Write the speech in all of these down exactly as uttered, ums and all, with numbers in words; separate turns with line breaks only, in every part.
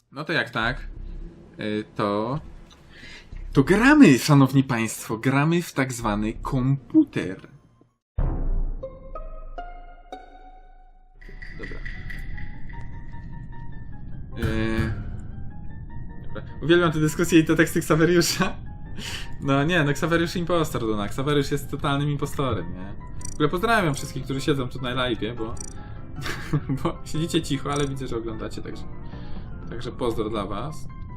No to jak tak, y, to... To gramy, szanowni państwo, gramy w tak zwany komputer. Dobra. Yy... Dobra. Uwielbiam tę dyskusję i te teksty Xaveriusza. No nie, no Xaveriusz impostor, no Xaveriusz jest totalnym impostorem, nie? W ogóle pozdrawiam wszystkich, którzy siedzą tu na live'ie, bo... bo siedzicie cicho, ale widzę, że oglądacie, także... Także pozdro dla was.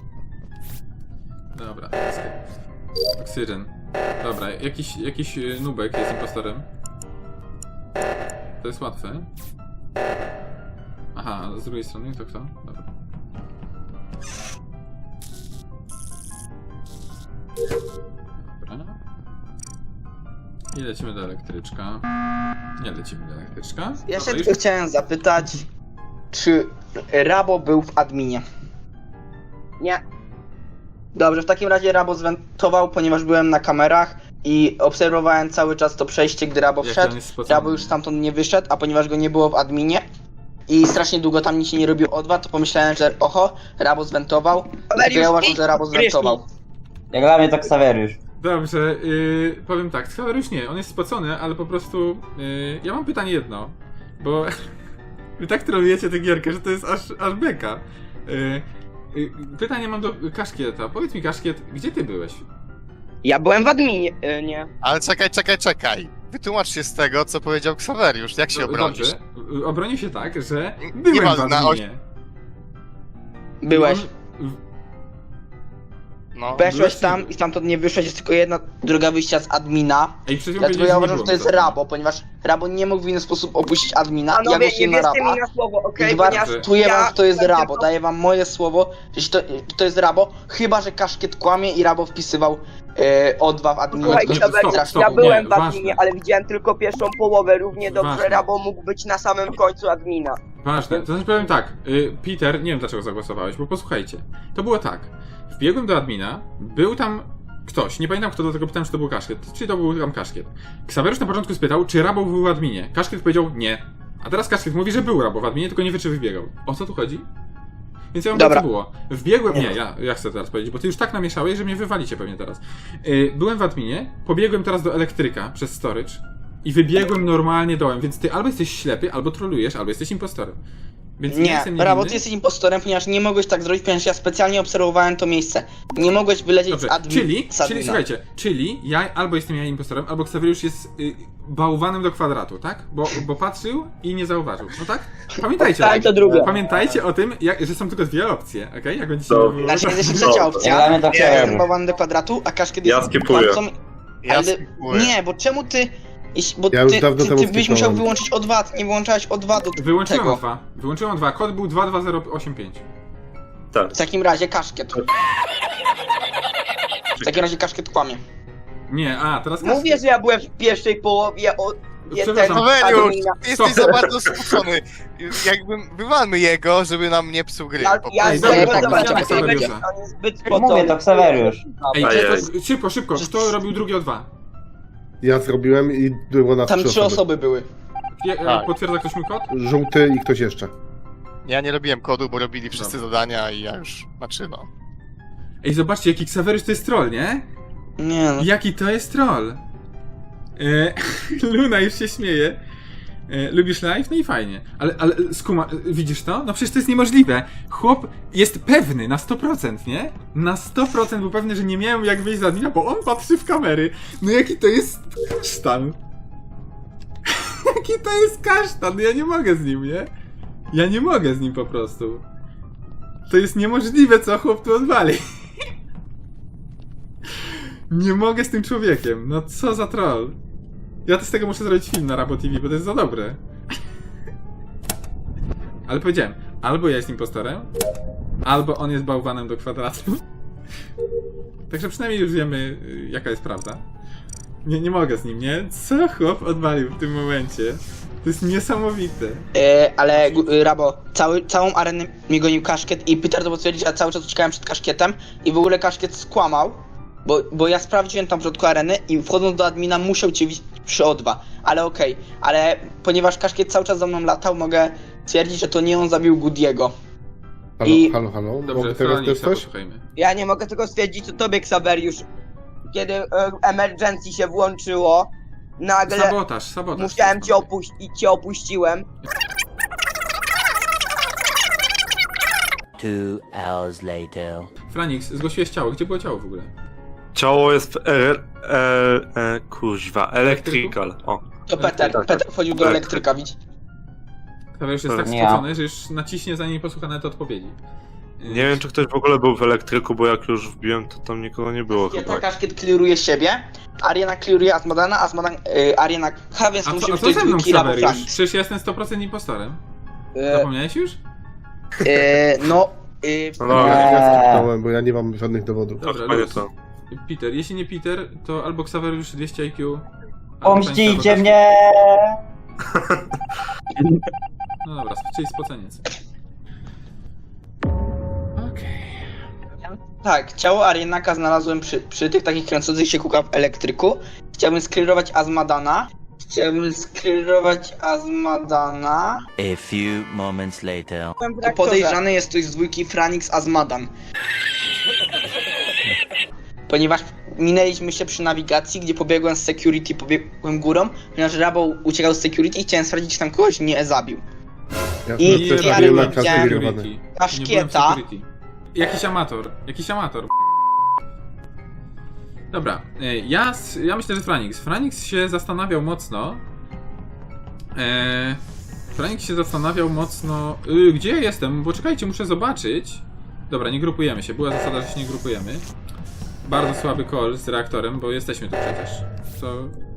Dobra, oksygen. Dobra, jakiś, jakiś nubek jest impostorem. To jest łatwe. Aha, z drugiej strony to kto? Dobra. Dobra. I lecimy do elektryczka. Nie lecimy do elektryczka.
Ja się
Dobra,
tylko
już...
chciałem zapytać, czy Rabo był w adminie?
Nie.
Dobrze, w takim razie Rabo zwentował, ponieważ byłem na kamerach i obserwowałem cały czas to przejście, gdy Rabo
Jak
wszedł.
on jest spocony.
Rabo już stamtąd nie wyszedł, a ponieważ go nie było w adminie i strasznie długo tam nic się nie robił O dwa, to pomyślałem, że oho, Rabo zwentował. I ja uważam, że Rabo zwentował.
Jak dla mnie to Xaveriusz.
Dobrze, yy, powiem tak, Xaveriusz nie, on jest spocony, ale po prostu yy, ja mam pytanie jedno, bo wy tak trolujecie tę gierkę, że to jest aż, aż beka. Yy, yy, pytanie mam do Kaszkieta, powiedz mi Kaszkiet, gdzie ty byłeś?
Ja byłem w adminie, e, nie.
Ale czekaj, czekaj, czekaj. Wytłumacz się z tego, co powiedział Xaveriusz. Jak się
Do-
obronisz?
Dobrze, yy, obronię się tak, że
Nie
byłem w
ma na
adminie.
Byłeś.
On-
No.
Weszłeś
byłeś
tam
ty.
i stamtąd nie wyszłeś, jest tylko jedna droga wyjścia z admina.
Ej, przecież
Dlatego
powiedziałeś,
ja
nie
uważam, że
było
to jest
mnie tam.
Rabo, ponieważ Rabo nie mógł w inny sposób opuścić admina. Ja
Panowie, nie
głosuję na
wierzcie
Raba.
mi na słowo, okej?
I
Ponieważ
gwarantuję
ja
wam, że to jest
byłem
Rabo.
tylko-
Daję wam moje słowo, że to, to jest Rabo, chyba że Kaszkiet kłamie i Rabo wpisywał e, O dwa w adminie.
Słuchajcie,
tylko
stop,
Xaver,
stop,
ja
nie,
byłem w
ważne.
adminie, ale widziałem tylko pierwszą połowę. Równie dobrze
Ważne.
Rabo mógł być na samym końcu admina.
Ważne, to znaczy powiem tak, y, Peter, nie wiem dlaczego zagłosowałeś, bo posłuchajcie. To było tak, wbiegłem do admina, był tam ktoś, nie pamiętam kto, do tego pytałem, czy to był Kaszkiet, czy to był tam Kaszkiet. Xaveriusz na początku spytał, czy Rabo był w adminie. Kaszkiet powiedział nie. A teraz Kaszkiet mówi, że był Rabo w adminie, tylko nie wie, czy wybiegał. O co tu chodzi? Więc ja mam
Dobra.
co było. Wbiegłem, nie, ja, ja chcę teraz powiedzieć, bo ty już tak namieszałeś, że mnie wywalicie pewnie teraz. Yy, byłem w adminie, pobiegłem teraz do elektryka przez storage i wybiegłem normalnie dołem, więc ty albo jesteś ślepy, albo trolujesz, albo jesteś impostorem. Więc ja
Nie,
jestem
Rabo,
niewinny.
ty jesteś impostorem, ponieważ nie mogłeś tak zrobić, ponieważ ja specjalnie obserwowałem to miejsce. Nie mogłeś wylecieć
Dobrze,
z admin.
czyli,
z
czyli
admina.
słuchajcie, czyli ja albo jestem ja impostorem, albo Xaveriusz jest y, bałwanem do kwadratu, tak? Bo, bo patrzył i nie zauważył, no tak? Pamiętajcie,
Tak, to drugie.
pamiętajcie o tym, jak, że są tylko dwie opcje, okej? Okay? Jak będziecie...
Dobra.
Znaczy jest jeszcze trzecia opcja.
Jak dla mnie to
Ja jestem
Xaveriusz.
bałwanem do kwadratu, a Kaszkiet
Ja
jest
skipuję.
kłamcą.
Ja
Ale
skipuję.
nie, bo czemu ty... jeśli- Bo
Ja już
ty,
dawno
ty,
temu
ty byś musiał
skipnąłem.
wyłączyć O dwa, ty nie wyłączałeś O dwa do
Wyłączyłem
tego.
dwa, wyłączyłem dwa, kod był dwa dwa zero osiem pięć.
Tak.
W takim razie Kaszkiet. W takim razie Kaszkiet kłamie.
Nie, a, teraz
Mówię, że ja byłem w pierwszej połowie o...
Przepraszam.
Xaveriusz,
admina.
ty jesteś
Stop.
za bardzo skłócony. Jakbym, wywalmy jego, żeby nam nie psuł gry.
Ja,
po
ja
Ej,
prostu.
dobra,
byłem
tak,
zobaczyć,
tak,
jak on będzie-
Xaveriusza.
on jest zbyt
Mówię,
spocony.
to Xaveriusz.
Ej,
Ajej.
kto, szybko, szybko, kto robił drugie o dwa?
Ja zrobiłem i było nas
Tam
trzy
trzy
osoby.
osoby były.
Je,
Tak.
potwierdza ktoś mój kod?
Żółty i ktoś jeszcze.
Ja nie robiłem kodu, bo robili wszyscy
Dobra.
zadania i ja już, znaczy no.
Ej, zobaczcie, jaki Xaveriusz to jest troll, nie?
Nie no.
Jaki to jest troll? E, Luna już się śmieje. E, lubisz live? No i fajnie. Ale, ale skuma, widzisz to? No przecież to jest niemożliwe. Chłop jest pewny na sto procent, nie? Na sto procent był pewny, że nie miałem jak wyjść z admina, bo on patrzy w kamery. No jaki to jest kasztan? Jaki to jest kasztan? Ja nie mogę z nim, nie? Ja nie mogę z nim po prostu. To jest niemożliwe, co chłop tu odwali. Nie mogę z tym człowiekiem. No co za troll. Ja to z tego muszę zrobić film na Rabo T V, bo to jest za dobre. Ale powiedziałem, albo ja jestem impostorem, albo on jest bałwanem do kwadratu. Także przynajmniej już wiemy, y, jaka jest prawda. Nie, nie mogę z nim, nie? Co chłop odwalił w tym momencie? To jest niesamowite.
E, ale gu- y, Rabo, cały, całą arenę mnie gonił Kaszkiet i Peter to potwierdzić, a cały czas uciekałem przed Kaszkietem i w ogóle Kaszkiet skłamał, bo, bo ja sprawdziłem tam w środku areny i wchodząc do admina musiał cię widzieć przy O dwa, ale okej, ale ponieważ Kaszkiet cały czas za mną latał, mogę twierdzić, że to nie on zabił Goody'ego.
Halo,
I-
halo, halo.
Dobrze,
Mogę teraz też
Franiksa
coś?
posłuchajmy.
Ja nie mogę tego stwierdzić, co tobie, Xaveriusz. Kiedy e, emergency się włączyło, nagle
Sabotaż, sabotaż.
musiałem cię opuścić i cię opuściłem.
Two hours later.
Franix, zgłosiłeś ciało. Gdzie było ciało w ogóle?
Ciało jest w er, e, e, kuźwa, electrical. O.
Tak, To Peter,
tak,
Peter wchodził do
tak.
elektryka, widzisz?
Ksawer już jest tak
Nie.
spocony, że już naciśnie zanim posłucha nawet odpowiedzi.
Nie wiem, czy ktoś w ogóle był w elektryku, bo jak już wbiłem, to tam nikogo nie było
Kaszkieta,
chyba.
Kaszkiet clearuje siebie, Ariana clearuje Azmodana, Azmodan, y, Ariana K, więc
A
musi
co, a
być
co
ktoś
ze mną,
dwójki Rabo
Ksaweriusz?
Franix.
Przecież ja jestem sto procent impostorem.
Y,
Zapomniałeś już?
y, No, y,
No dobra.
Ja
Eee.
skipnąłem, bo ja nie mam żadnych dowodów.
Dobra,
To chyba nie
luz.
to.
Peter, jeśli nie Peter, to albo Ksaweriusz dwieście I Q. albo
Pomścicie
Sabotaż.
mnie!
No dobra, czyli spoceniec. Okej.
tak, ciało Arianaka znalazłem przy, przy tych takich kręcących się kółkach w elektryku. Chciałbym sklirować Azmadana. Chciałbym sklirować Azmadana.
A few moments later.
To podejrzany jest ktoś z dwójki Franix Azmadan. Ponieważ minęliśmy się przy nawigacji, gdzie pobiegłem z security, pobiegłem górą, ponieważ Rabo uciekał z security i chciałem sprawdzić, czy tam kogoś nie zabił.
Ja
I-
I,
i
też
ja
robiłem
nie
na
widziałem-
klirowany.
Nie byłem w
Kaszkieta.
security. Jakiś amator, jakiś amator. Dobra, e, ja, s- ja myślę, że Franix. Franix się zastanawiał mocno. E, Franix się zastanawiał mocno. Y, gdzie ja jestem? Bo czekajcie, muszę zobaczyć. Dobra, nie grupujemy się. Była zasada, że się nie grupujemy. Bardzo słaby call z reaktorem, bo jesteśmy tu przecież. To.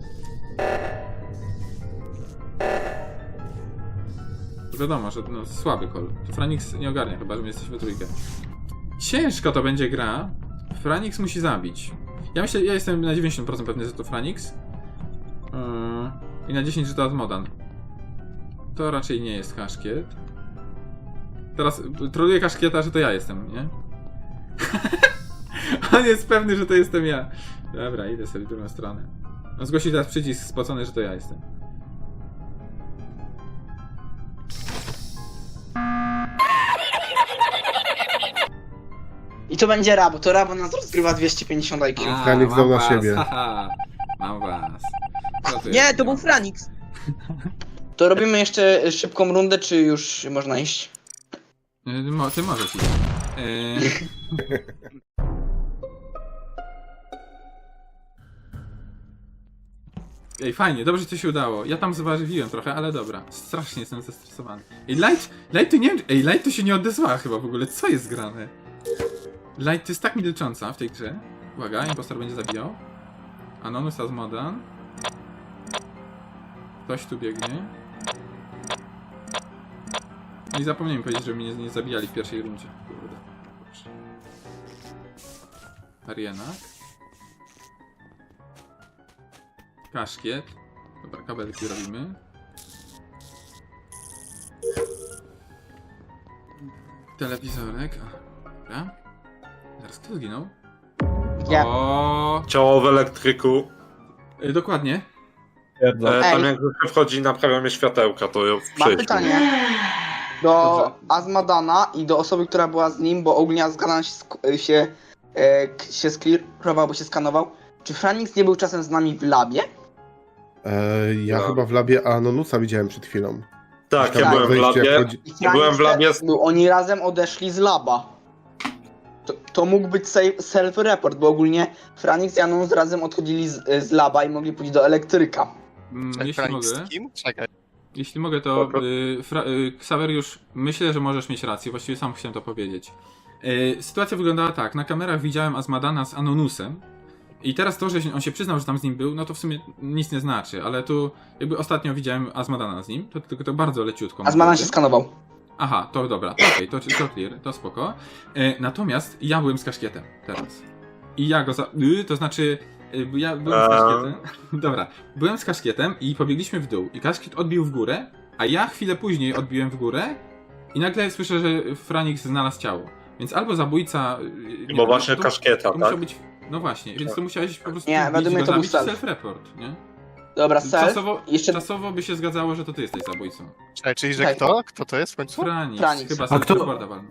To wiadomo, że no, słaby call. To Franix nie ogarnia chyba, że my jesteśmy trójkę. Ciężko to będzie gra. Franix musi zabić. Ja myślę, ja jestem na dziewięćdziesiąt procent pewny, że to Franix. Yy, I na dziesięć, że to Azmodan. To raczej nie jest Kaszkiet. Teraz y, troluję Kaszkieta, że to ja jestem, nie? On jest pewny, że to jestem ja. Dobra, idę sobie w drugą stronę. On zgłosił teraz przycisk spocony, że to ja jestem.
I to będzie Rabo, to Rabo nas rozgrywa dwieście pięćdziesiąt I Q.
A,
Franix
mam
dał na
was,
siebie.
haha. Mam was. Co tu
Nie,
jest?
to był Franix.
To robimy jeszcze szybką rundę, czy już można iść?
Y, mo- Ty możesz iść. Yy... Ej, fajnie, dobrze ci się udało. Ja tam zważywiłem trochę, ale dobra. Strasznie jestem zestresowany. Ej, Light, Light to nie wiem, ej, Light to się nie odezwała chyba w ogóle. Co jest grane? Light to jest tak milcząca w tej grze. Uwaga, impostor będzie zabijał. Anonymous Azmodan. Ktoś tu biegnie. No i zapomniałem powiedzieć, żeby mnie nie, nie zabijali w pierwszej rundzie. Kurde. Dobrze. Arienak. Kaszkiet. Dobra, kabelki robimy. Telewizorek. Dobra. Zaraz kto zginął?
Ja.
O,
Ciało w elektryku.
y, dokładnie.
E, tam
Ej.
jak się wchodzi, naprawiamy światełka, to ja
Mam
przejdźmy.
pytanie do Azmadana i do osoby, która była z nim, bo ogólnie Azmadan się, sk- się, e, k- się sklirował, bo się skanował. Czy Franix nie był czasem z nami w labie?
E, ja
No.
chyba w labie Anonusa widziałem przed chwilą.
Tak,
Tam
ja byłem w
wejście, jak
labie.
chodzi-
I
Ja byłem w labie z-
Był, oni razem odeszli z laba. To, to mógł być safe- self-report, bo ogólnie Franix i Anonus razem odchodzili z, z laba i mogli pójść do elektryka.
Mm,
Czekaj,
jeśli
Franix
mogę.
z kim? Czekaj.
Jeśli mogę, to
Spoko.
y, Fra- y, Ksaweriusz, myślę, że możesz mieć rację, właściwie sam chciałem to powiedzieć. Y, sytuacja wyglądała tak, na kamerach widziałem Azmadana z Anonusem i teraz to, że on się przyznał, że tam z nim był, no to w sumie nic nie znaczy, ale tu jakby ostatnio widziałem Azmadana z nim, to tylko to bardzo leciutko.
Azmadan się skanował.
Aha, to dobra, to okej, to, to clear, to spoko. E, natomiast ja byłem z Kaszkietem teraz. I ja go za... Y, to znaczy, y, ja byłem z
Eee.
Kaszkietem. Dobra, byłem z Kaszkietem i pobiegliśmy w dół. I Kaszkiet odbił w górę, a ja chwilę później odbiłem w górę i nagle słyszę, że Franix znalazł ciało. Więc albo zabójca... y, nie
Bo
wiem,
właśnie
to,
Kaszkieta,
to
tak?
musiał być... No właśnie, więc to musiałeś po prostu
Nie,
bić
według mnie
go
to był
zabić,
self.
self-report, nie?
Dobra, self.
Czasowo,
Jeszcze
czasowo by się zgadzało, że to ty jesteś zabójcą.
Czekaj, czyli że
Czekaj.
kto? Kto to jest w końcu?
Franix,
Franix.
chyba
A kto-
self-reporta walnął.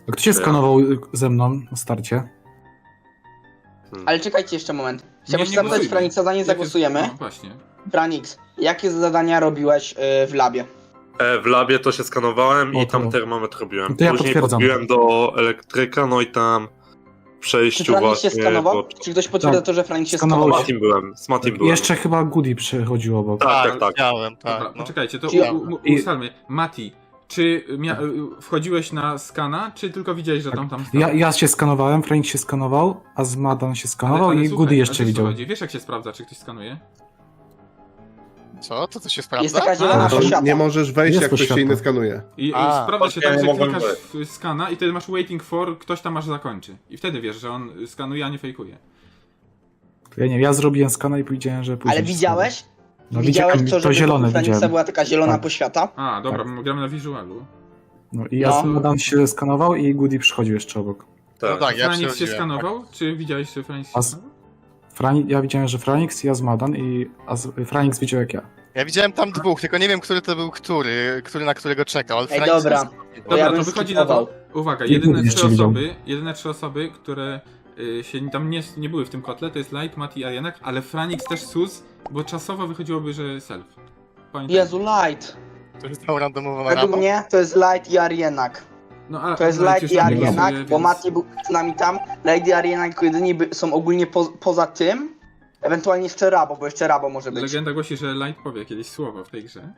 A kto się skanował ze mną na starcie?
Ale czekajcie jeszcze moment. Chciałbym
Nie,
się
nie
zapytać
głosujmy.
Franiksa, zanim
Jakie-
zagłosujemy.
No właśnie.
Franix, jakie zadania robiłeś y, w labie?
E, w labie to się skanowałem
O,
i tam
to-
termometr robiłem.
No to ja
Później
potwierdzam.
podbiłem do elektryka, no i tam w
Czy
przejściu
Franix się
właśnie...
skanował?
bo-
Czy ktoś potwierdza
Tak.
to, że Franix się
Skanował
Z
skanował?
Matim byłem, z Matim byłem.
Jeszcze chyba Goody przechodził obok.
Tak, tak, tak.
Widziałem, tak.
Dobra,
no.
poczekajcie, to
Czy ja-
u, u,
I-
ustalmy. Mati, czy mia- y, wchodziłeś na skana, czy tylko widziałeś, że tam tam stał?
Ja, ja się skanowałem, Frank się skanował, a Zmadan się skanował
Ale- ale
i
słuchaj,
Goody
ale
jeszcze
wiesz, co
widział.
chodzi? Wiesz, jak się sprawdza, czy ktoś skanuje?
Co? To co się sprawdza?
Jest taka
A,
zielona
to
To
poświata.
nie możesz wejść,
Jest
jak ktoś się
poświata.
inny skanuje.
I,
A,
i sprawdza się
okej,
tak, że
mogłem
klikasz
być.
w skana i wtedy masz waiting for, ktoś tam aż zakończy. I wtedy wiesz, że on skanuje, a nie fejkuje.
Ja nie wiem, ja zrobiłem skana i powiedziałem, że później.
Ale
się
widziałeś?
No,
Widziałeś
widziałem,
to,
to
że
zielone
wokół Franiksa
widziałem.
była taka zielona
Tak.
poświata?
A, dobra,
Tak.
my gramy na visualu.
No i ja
No.
Zmadan się skanował i Goody przychodził jeszcze obok.
No
Tak.
tak, ja
Franix się
przechodziłem,
skanował? Czy widziałeś, że Franix się
A z-
skanował?
Frani, ja widziałem, że Franix, ja Zmadan i a z, Franix widział jak ja.
Ja widziałem tam dwóch, tylko nie wiem, który to był który, który na którego czekał, ale
Ej,
Francis
dobra.
jest-
To
Dobra,
ja
to
bym
wychodzi na to.
skipował.
Uwaga,
I
jedyne
jeszcze
trzy
widział.
osoby, jedyne trzy osoby, które y, się tam nie, nie były w tym kotle, to jest Light, Mati i Arienak, ale Franix też sus, bo czasowo wychodziłoby, że self. Pamiętaj.
Jezu, Light.
To jest tam randomowo na
Według
rapa.
mnie to jest Light i Arienak.
No, ale,
To jest
ale
Light
już
i
tam nie
Arienak,
głosuje,
bo
więc-
Mati był z nami tam. Light i Arienak jako jedyni by, są ogólnie po, poza tym. Ewentualnie jeszcze Rabo, bo jeszcze Rabo może być.
Legenda głosi, że Light powie kiedyś słowo w tej grze.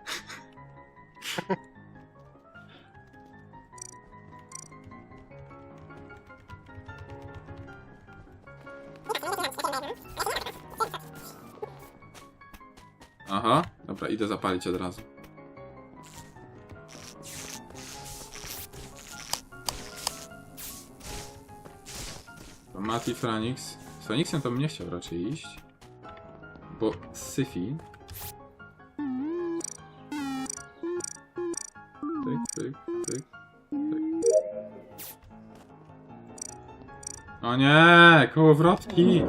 Aha, dobra, idę zapalić od razu. To Mati, Franix. Z Franixem to bym nie chciał raczej iść. Bo Syfi. Tyk, tyk, tyk, tyk. O nie, kołowrotki!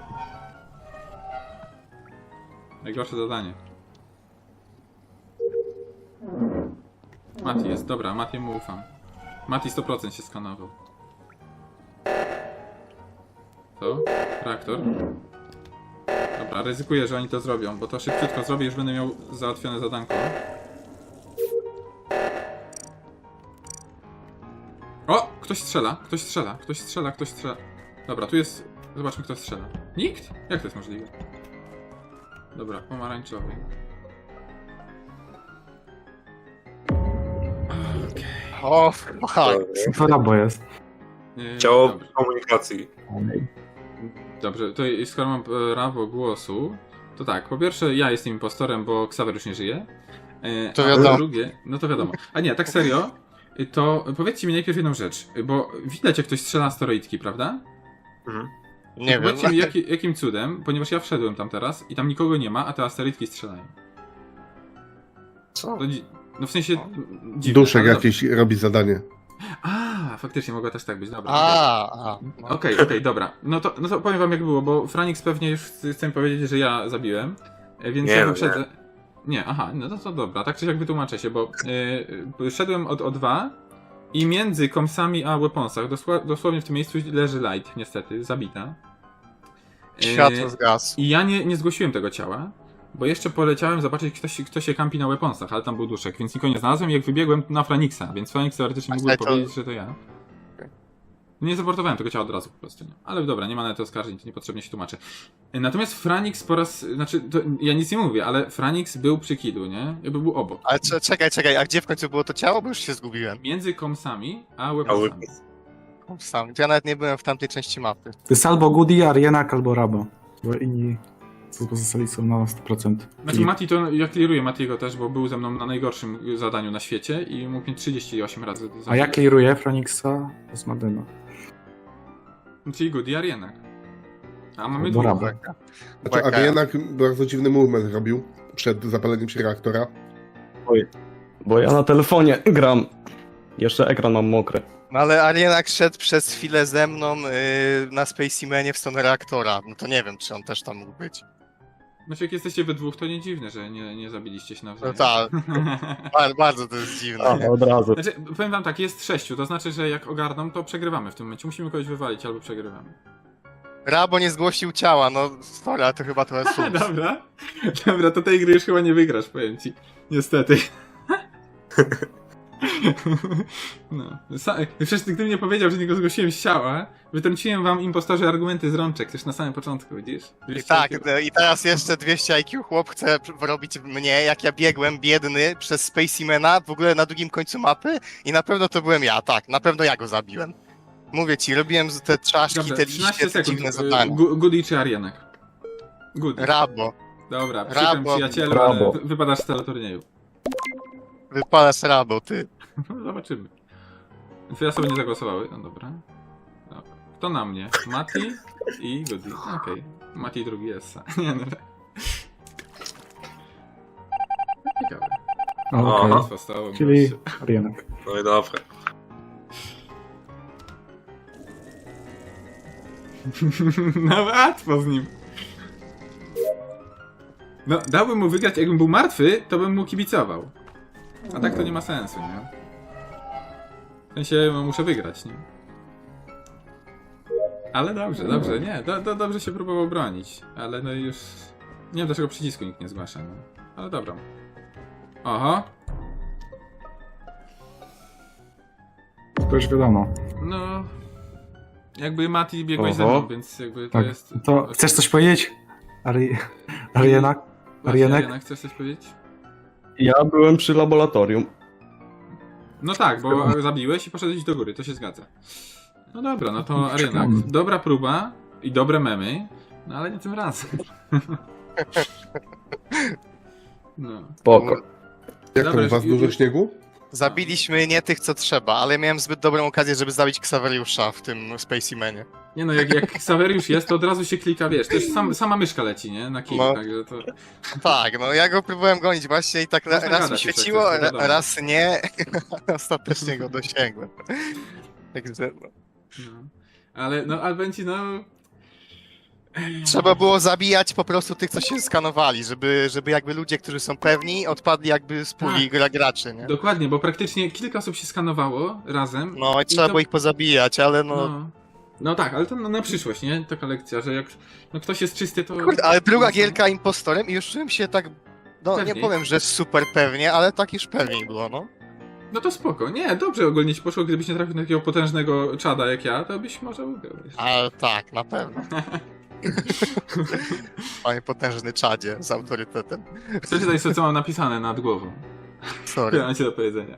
Najgorsze zadanie. Mati jest, dobra, Matiemu ufam. Mati sto procent się skanował. Co? Reaktor? Dobra, ryzykuję, że oni to zrobią, bo to szybciutko zrobię, już będę miał załatwione zadanko. O! Ktoś strzela, ktoś strzela, ktoś strzela, ktoś strzela. Dobra, tu jest... Zobaczmy, kto strzela. Nikt? Jak to jest możliwe? Dobra, pomarańczowy.
O, fuck.
To Rabo jest.
Nie,
Ciało
dobrze.
komunikacji.
Dobrze, to i- skoro mam e, prawo głosu, to tak, po pierwsze ja jestem impostorem, bo Xaver już nie żyje. E,
To
a
wiadomo.
po drugie, no to wiadomo. A nie, tak serio, y, to powiedzcie mi najpierw jedną rzecz, y, bo widać jak ktoś strzela asteroidki, prawda?
Mhm.
Nie wiem.
Powiedzcie mi jaki, jakim cudem, ponieważ ja wszedłem tam teraz i tam nikogo nie ma, a te asteroidki strzelają.
Co?
To dzi- no w sensie dziwne.
Duszek
ale
jakiś robi zadanie.
dobrze. A, faktycznie mogło też tak być, dobra.
A, a. no.
Okej, okej, dobra. No to, no to powiem wam jak było, bo Franix pewnie już chce mi powiedzieć, że ja zabiłem, e, więc
Nie,
ja
no
wyprzedzę. Nie, aha, no to, to dobra, tak czy siak wytłumaczę się, bo yy, szedłem od O dwa i między komsami a weaponsach, dosła, dosłownie w tym miejscu leży Light, niestety, zabita. Yy,
Światło zgasł.
I ja nie, nie zgłosiłem tego ciała, bo jeszcze poleciałem zobaczyć, kto się, kto się kampi na weaponsach, ale tam był duszek, więc nikogo nie znalazłem i jak wybiegłem na Franixa, więc Franix teoretycznie
A
mógłby
to-
powiedzieć, że to ja. Nie zaportowałem tego ciała od razu po prostu, nie. Ale dobra, nie ma na to oskarżeń, to niepotrzebnie się tłumaczę. Natomiast Franix po raz, znaczy, to ja nic nie mówię, ale Franix był przy killu, nie? Jakby był obok.
Ale cze- czekaj, czekaj, a gdzie w końcu było to ciało? Bo już się zgubiłem.
Między komsami a
A
weaponsami.
Sam. To ja nawet nie byłem w tamtej części mapy.
To jest albo Goody, Arienak, albo Rabo. Bo inni co pozostali są na sto procent.
Znaczy Mati to, ja clearuję Matiego też, bo był ze mną na najgorszym zadaniu na świecie i mógł mnie trzydzieści osiem razy zabić.
A ja clearuję Franixa z Madena.
Czyli good i Arienak. A mamy
Do
dwóch.
Rabo.
Znaczy,
Błagam.
a jednak bardzo dziwny movement robił przed zapaleniem się reaktora.
Bo ja na telefonie gram. Jeszcze ekran mam mokry.
No ale Arienak szedł przez chwilę ze mną yy, na Specimenie w stronę reaktora. No to nie wiem, czy on też tam mógł być.
Znaczy jak jesteście we dwóch, to nie dziwne, że nie, nie zabiliście się
No
nawzajem.
tak, bardzo, bardzo to jest dziwne.
A, od razu.
Znaczy, powiem wam tak, jest sześciu, to znaczy, że jak ogarną, to przegrywamy w tym momencie. Musimy kogoś wywalić albo przegrywamy.
Rabo nie zgłosił ciała, no sorry, ale to chyba trochę sus.
Dobra. Dobra, to tej gry już chyba nie wygrasz, powiem ci. Niestety. No. Sa- Przecież gdybym nie powiedział, że nie go zgłosiłem z ciała, wytrąciłem wam impostorzy argumenty z rączek, też na samym początku, widzisz?
I tak, no i teraz jeszcze dwieście I Q chłop chce robić mnie, jak ja biegłem biedny przez Spacemana w ogóle na drugim końcu mapy i na pewno to byłem ja, tak, na pewno ja go zabiłem. Mówię ci, robiłem z te czaszki,
Dobra,
te
trzynaście
liście, te
sekund.
dziwne zadania.
Gu- Goody czy Arianek? Goody.
Rabo,
Dobra, przykro mi
Rabo.
przyjacielu,
Rabo.
ale wy- wypadasz z teleturnieju.
wypalasz Rabo, ty.
No, zobaczymy. Dwie osoby nie zagłosowały, no dobra. Dobra. Kto na mnie? Mati i Goody. Okej. Mati drugi jest. Nie no. Ciekawe.
Okej.
Łatwo stało.
Czyli
gościu.
Arianek.
No i dobra.
No łatwo z nim. No, dałbym mu wygrać, jakbym był martwy, to bym mu kibicował. A tak to nie ma sensu, nie? W sensie, no, muszę wygrać, nie? Ale dobrze, dobrze, nie, do, do, dobrze się próbował bronić. Ale no już... Nie wiem, dlaczego przycisku nikt nie zgłasza, no. Ale dobra. Oho.
To już wiadomo.
No... Jakby Mati biegłeś
Oho.
ze mną, więc jakby to
Tak.
jest...
To chcesz coś powiedzieć? Ari... Arianak?
Właśnie,
Arianek?
Arianek, chcesz coś powiedzieć?
Ja byłem przy laboratorium.
No tak, bo zabiłeś i poszedłeś do góry, to się zgadza. No dobra, no to Arianak.
Przekonany.
Dobra próba i dobre memy, no ale nie tym razem. No.
Spoko.
Jak
Dobra,
tam u was
już-
dużo śniegu?
Zabiliśmy nie tych, co trzeba, ale miałem zbyt dobrą okazję, żeby zabić Xaveriusza w tym Spacemanie.
Nie no, jak, jak Xaveriusz jest, to od razu się klika, wiesz, też sam, sama myszka leci, nie? Na kij,
No.
także to...
Tak, no ja go próbowałem gonić właśnie i tak ra-
Można
raz mi
gadać jeszcze,
świeciło,
to
ra-
wiadomo.
raz nie. Ostatecznie go dosięgłem. Także no.
No. Ale, no, ale będzie, no...
Trzeba było zabijać po prostu tych, co się skanowali, żeby, żeby jakby ludzie, którzy są pewni, odpadli jakby z puli
Tak.
gra graczy, nie?
Dokładnie, bo praktycznie kilka osób się skanowało razem.
No i trzeba
to-
było ich pozabijać, ale no...
No. No tak, ale to na, na przyszłość, nie? Taka lekcja, że jak no, ktoś jest czysty, to...
Kurde, ale druga gierka impostorem i już czułem się tak... No
Pewniej.
nie powiem, że super pewnie, ale tak już pewniej było, no.
No to spoko. Nie, dobrze ogólnie ci poszło, gdybyś nie trafił na takiego potężnego czada jak ja, to byś może ugrał. wiesz.
Ale tak, na pewno. Panie potężny czadzie z autorytetem.
Przeczytaj sobie, co mam napisane nad głową.
Sorry.
Ja mam ci do powiedzenia.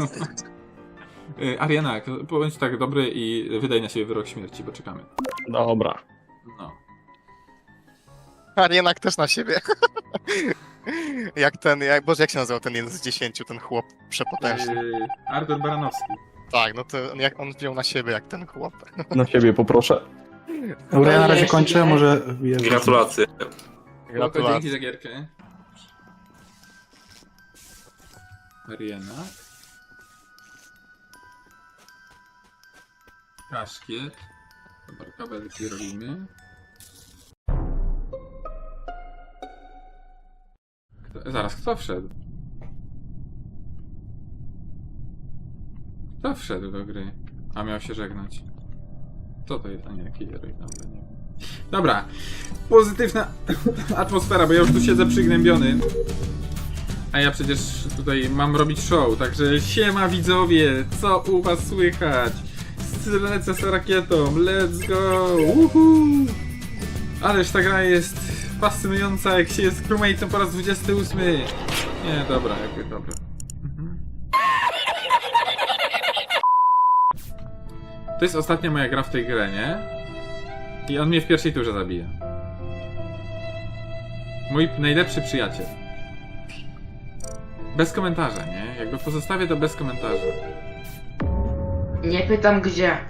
Y, Arianak, bądź tak dobry i wydaj na siebie wyrok śmierci, bo czekamy.
Dobra.
No.
Arienak też na siebie. Jak ten, jak, Boże, jak się nazywał ten jeden z dziesięciu, ten chłop przepotężny?
Y, Artur Baranowski.
Tak, no to jak on wziął na siebie jak ten chłop.
Na siebie poproszę.
Dobra, ja na razie kończę, może... wjeżdżam.
Gratulacje.
Spoko, dzięki za gierkę. Arianak. Kaszkiet. Dobra, kabelki robimy. Kto, zaraz, kto wszedł? Kto wszedł do gry? A miał się żegnać. Co to jest? A nie, killer, dobra, nie wiem. Dobra, pozytywna atmosfera, bo ja już tu siedzę przygnębiony. A ja przecież tutaj mam robić show, także siema widzowie, co u was słychać? Lecę z rakietą, let's go! Uhu! Ależ ta gra jest fascynująca, jak się jest crewmate'em po raz dwudziesty ósmy. Nie, dobra, jakby, dobra. Mhm. To jest ostatnia moja gra w tej grze, nie? I on mnie w pierwszej turze zabija. Mój najlepszy przyjaciel. Bez komentarza, nie? Jakby pozostawię to bez komentarza.
Nie pytam gdzie.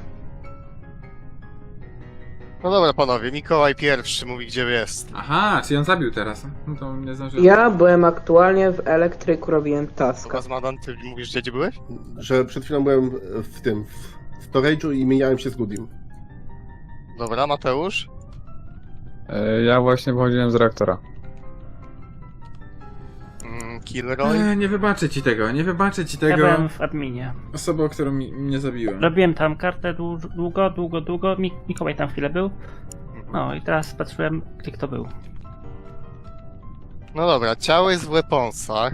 No dobra panowie, Mikołaj pierwszy mówi gdzie jest.
Aha, czyli on zabił teraz. No to nie zdążyłem.
Ja byłem aktualnie w elektryku, robiłem
To
taska.
was Madan, ty mówisz gdzie, gdzie byłeś?
Że przed chwilą byłem w tym, w storage'u i mieniałem się z Goodim.
Dobra, Mateusz?
Ja właśnie wychodziłem z reaktora.
Kilroy.
Eee, nie wybaczę ci tego, nie wybaczę ci
Ja
tego.
byłem w adminie.
Osobą, którą mi, mnie zabiłem.
Robiłem tam kartę dłu- długo, długo, długo. Mik- Mikołaj tam chwilę był. No i teraz patrzyłem, gdzie kto był.
No dobra, ciało jest w weaponsach.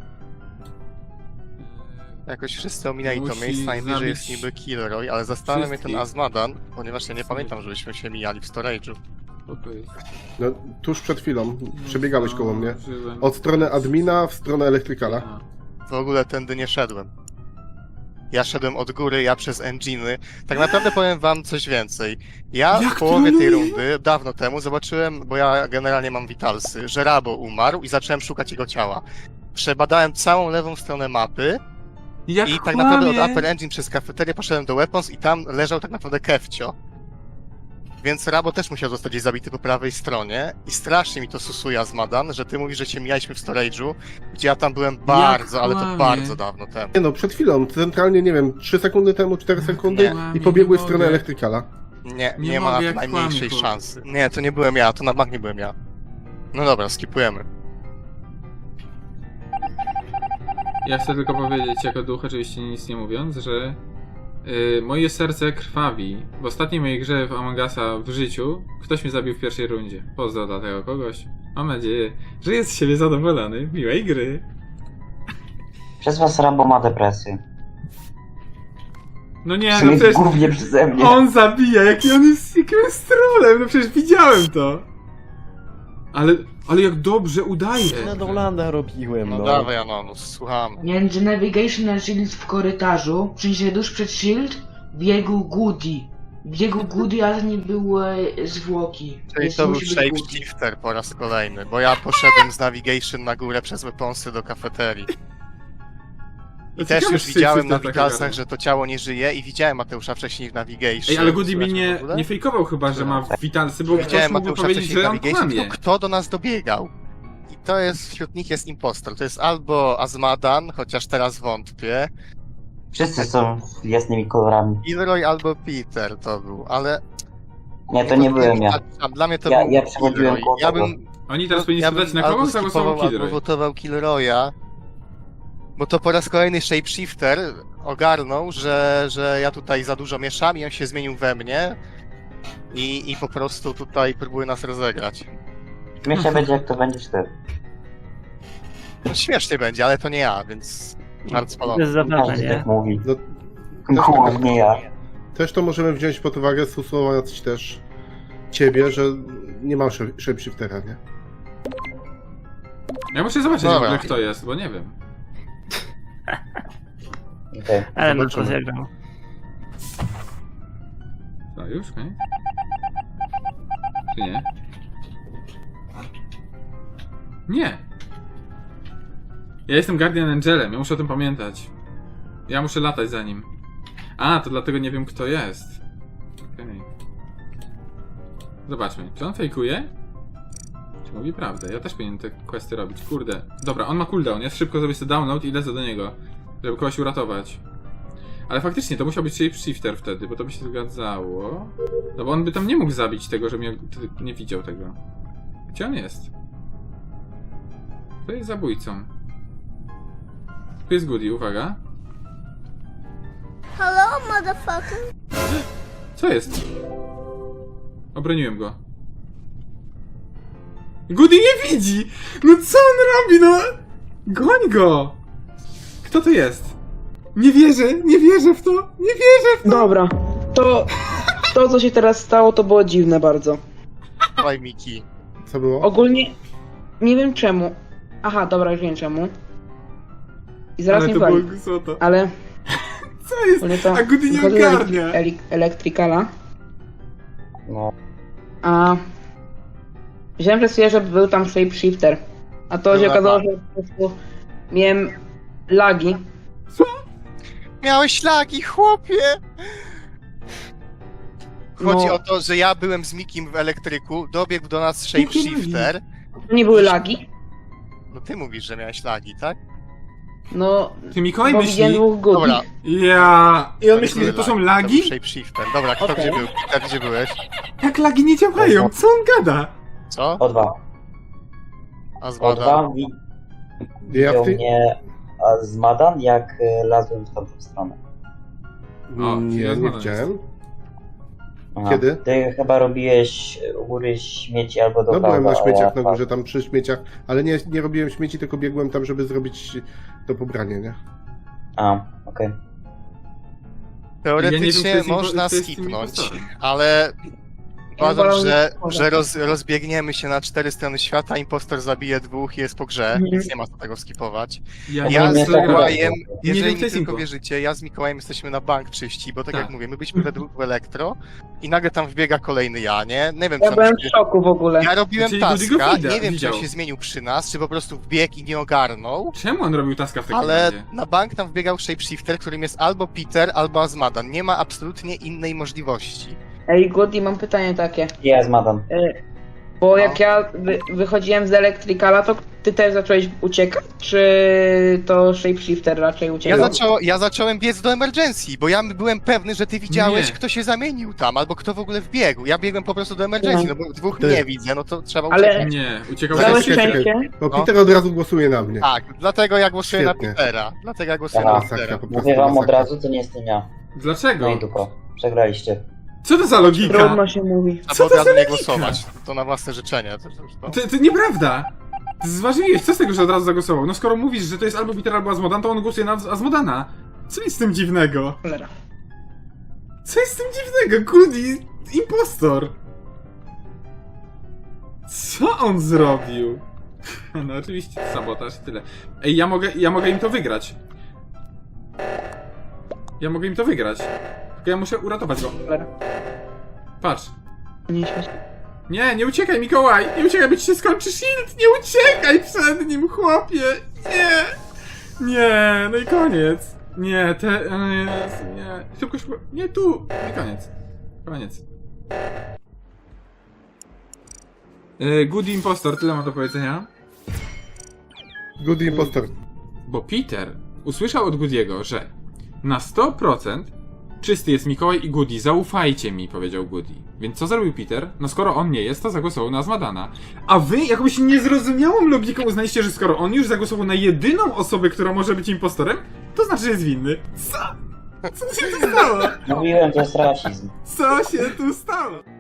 Jakoś wszyscy ominęli to
Musi
miejsce, najbliżej jest
zabić
niby Kilroy, ale zastanawia mnie ten
wszystkich.
Azmadan, ponieważ ja nie pamiętam, żebyśmy się mijali w storage'u.
Co to jest?
No, tuż przed chwilą przebiegałeś koło mnie.
Zdążyłem.
Od strony admina w stronę elektrykala.
A.
W ogóle tędy nie szedłem. Ja szedłem od góry, ja przez engine'y. Tak naprawdę powiem wam coś więcej. Ja
Jak
w połowie tej
troluje?
rundy, dawno temu, zobaczyłem, bo ja generalnie mam witalsy, że Rabo umarł i zacząłem szukać jego ciała. Przebadałem całą lewą stronę mapy
Jak
i tak naprawdę od
kłamie.
Upper Engine przez kafeterię poszedłem do Weapons i tam leżał tak naprawdę Kefcio. Więc Rabo też musiał zostać gdzieś zabity po prawej stronie i strasznie mi to susuje Azmadan, że ty mówisz, że się mijaliśmy w storage'u, gdzie ja tam byłem bardzo, ale to
kłamie.
bardzo dawno temu.
Nie no, przed chwilą, centralnie, nie wiem, trzy sekundy temu, cztery sekundy
Nie.
i pobiegłeś w
Nie
stronę
mogę.
elektrykala.
Nie,
Nie
nie, ma
mogę,
na
jak
to najmniejszej
kłamie, chłop.
szansy. Nie, to nie byłem ja, to na bank nie byłem ja. No dobra, skipujemy.
Ja chcę tylko powiedzieć jako duch, oczywiście nic nie mówiąc, że yy, moje serce krwawi. W ostatniej mojej grze w Among Usa w życiu ktoś mnie zabił w pierwszej rundzie. Pozdro dla tego kogoś. Mam nadzieję, że jest z siebie zadowolony. Miłej gry.
Przez was Rambo ma depresję.
No
W
nie, no
sumie
przecież
głównie przeze mnie.
on zabija, jaki on jest jakim jest trolem. No przecież widziałem to. Ale, ale jak dobrze udaje.
Nedolanda robiłem,
No,
no.
dawaj Anonus, słuchamy.
Między Navigation a Shield w korytarzu, w sensie tuż przed Shield, biegł Goody. Biegł Goody, ale nie były zwłoki.
Czyli
Więc
to był
musi być Goody.
shapeshifter po raz kolejny, bo ja poszedłem z navigation na górę przez weaponsy do kafeterii. I też
Ciekawe,
już
czy
widziałem
shapeshifter
na
tak
witalsach,
ogarnia.
że to ciało nie żyje i widziałem Mateusza wcześniej w navigation.
Ej, ale Goody mi
Słychać
nie,
w ogóle?
nie fejkował chyba, że ma witalsy, bo ktoś
Widziałem
mógłby
Mateusza
powiedzieć,
wcześniej w
że on
navigation,
kłamie.
tylko kto do nas dobiegał? I to jest, wśród nich jest impostor. To jest albo Azmadan, chociaż teraz wątpię,
Wszyscy są jasnymi kolorami.
Gilroy albo Peter to był, ale...
Nie, to nie byłem ja.
A dla mnie to
Ja-
był
ja przechodziłem
Gilroy.
koło
Ja
tego.
bym
Oni teraz powinni
ja
spytać,
bym
na kogo
albo
zagłosował
skipował, albo
Kidroy.
wotował Killroya, bo to po raz kolejny shapeshifter ogarnął, że, że ja tutaj za dużo mieszam i on się zmienił we mnie i, i po prostu tutaj próbuje nas rozegrać.
Śmiesznie będzie, jak to będziesz ty.
No, śmiesznie będzie, ale to nie ja, więc bardzo
To
spalony.
jest zabawne,
Każdy
nie?
tak mówi.
No,
Głównie ja.
też to możemy wziąć pod uwagę, stosując też ciebie, że nie mam shape- shapeshiftera, nie?
Ja muszę zobaczyć w
Dobra.
ogóle kto jest, bo nie wiem.
Okej.
Ale no
Zobaczymy.
to zagrał.
Co, już? Koniec? Czy nie? Nie! Ja jestem Guardian Angelem, ja muszę o tym pamiętać. Ja muszę latać za nim. A, to dlatego nie wiem kto jest. Okej. Zobaczmy, czy on fejkuje? Czy mówi prawdę? Ja też powinienem te questy robić, kurde. Dobra, on ma cooldown, ja szybko zrobię sobie download i lecę do niego, żeby kogoś uratować. Ale faktycznie, to musiał być shapeshifter wtedy, bo to by się zgadzało. No bo on by tam nie mógł zabić tego, że mnie nie widział tego. Gdzie on jest? To jest zabójcą. Tu jest Goody, uwaga.
Hello, motherfucker.
Co jest? Obroniłem go. Goody nie widzi! No co on robi, no? Goń go! Kto to jest? Nie wierzę, nie wierzę w to, nie wierzę w to!
Dobra, to, to co się teraz stało, to było dziwne bardzo.
Dawaj Miki.
Co było?
Ogólnie nie wiem czemu. Aha, dobra, już wiem czemu. I zaraz
Ale
mi
to było
wali.
głupota.
Ale
Co jest?
ogólnie to
A Goody nie
wychodzę z
ogarnia.
elektry- ele- elektrykala,
No.
a myślałem przez chwilę, że był tam shapeshifter. A to się
Dobra.
okazało, że po prostu miałem lagi.
Miałeś lagi, chłopie! Chodzi
No.
o to, że ja byłem z Mikim w elektryku, dobiegł do nas shapeshifter.
To nie były lagi.
No ty mówisz, że miałeś lagi, tak?
No,
Ty Mikołaj
bo widziałem
myśli?
dwóch Goody.
Dobra.
Ja. I on
nie
myśli, że
były
to są
To
lagi?
był shapeshifter. Dobra, kto
Okej.
gdzie był? Peter, gdzie byłeś?
Jak lagi nie działają? Co on gada?
Co?
O dwa.
A
O
zbada.
dwa wi
Jak
Widział
ty...
mnie a z Madan, jak e, lazłem w tamtą stronę.
O,
Nie,
jest
nie
Madan
widziałem.
Aha.
Kiedy?
Ty chyba robiłeś u góry śmieci albo do
No byłem
kawa,
na
a
śmieciach
ja
na górze, tam przy śmieciach, ale nie, nie robiłem śmieci, tylko biegłem tam, żeby zrobić to pobranie, nie?
A, okej.
Teoretycznie
Ja nie wiem, kto jest impo-
można
kto jest tym
skipnąć,
impostorem.
ale uważam,
wolę
że,
nie
że roz, rozbiegniemy się na cztery strony świata, impostor zabije dwóch i jest po grze,
Mhm.
więc nie ma co tego skipować.
Ja,
No
Ja
bo
z
mnie to
Mikołajem,
podoba.
jeżeli
wiem,
mi
kto jest
tylko
impo.
wierzycie, ja z Mikołajem jesteśmy na bank czyści, bo tak,
Tak.
jak mówię, my byliśmy we dwóch w elektro i nagle tam wbiega kolejny ja, nie? Nie wiem,
Ja
co
byłem
on
w
się...
szoku w ogóle.
Ja robiłem
Czyli Goody go
taska,
widać-
nie wiem,
widział.
czy on się zmienił przy nas, czy po prostu wbiegł i nie ogarnął,
Czemu on robił taska w takim
ale
razie?
na bank tam wbiegał shapeshifter, którym jest albo Peter, albo Azmadan. Nie ma absolutnie innej możliwości.
Ej, Goody, mam pytanie takie.
Ja z Madan.
Y, Bo jak ja wy, wychodziłem z Electricala, to ty też zacząłeś uciekać? Czy to Shapeshifter raczej
Ja,
uciekał?
zaczą, ja zacząłem biec do emergency, bo ja byłem pewny, że ty widziałeś,
Nie.
kto się zamienił tam, albo kto w ogóle wbiegł. Ja biegłem po prostu do emergency, no bo dwóch
Ty.
nie widzę, no to trzeba
Ale-
uciekać.
Nie, uciekał
Ale
Całe
czekaj, czekaj.
szczęście.
Bo
No.
Peter od razu głosuje na mnie.
Tak, dlatego ja głosuję
Świetnie.
na Petera. Dlatego ja głosuję
Aha.
na
Masakra,
Petera.
po prostu
Mówię wam od
masakra.
razu, to nie jestem ja.
Dlaczego?
No i dupa. Przegraliście.
Co to za logika?
Trudno się mówi.
A
Co
bo
to
od razu
za
nie
logika?
głosować. To na własne życzenie. To, to, to.
To, to nieprawda! Ty zważyłeś, co z tego, że od razu zagłosował? No skoro mówisz, że to jest albo Peter, albo Azmodan, to on głosuje na Azmodana. Co jest z tym dziwnego?
Cholera.
Co jest z tym dziwnego? Goody, impostor! Co on zrobił? No oczywiście, sabotaż i tyle. Ej, ja mogę, ja mogę im to wygrać. Ja mogę im to wygrać. Tylko ja muszę uratować go.
Cholera.
Patrz.
Nie śmieć.
Nie, nie uciekaj, Mikołaj! Nie uciekaj, bo ci się skończy shield! Nie uciekaj przed nim, chłopie! Nie! Nie, no i koniec. Nie, te... o Jezu, nie. Szybko, szybko. Nie tu! I koniec. Koniec. Yy, Goody Impostor, tyle mam do powiedzenia.
Good impostor.
Bo Peter usłyszał od Goody'ego, że na sto procent czysty jest Mikołaj i Goody, zaufajcie mi, powiedział Goody. Więc co zrobił Peter? No skoro on nie jest, to zagłosował na Azmadana. A wy jakąś niezrozumiałą logiką uznaliście, że skoro on już zagłosował na jedyną osobę, która może być impostorem, to znaczy, że jest winny. Co? Co się tu stało?
Mówiłem, to jest rasizm.
Co się tu stało?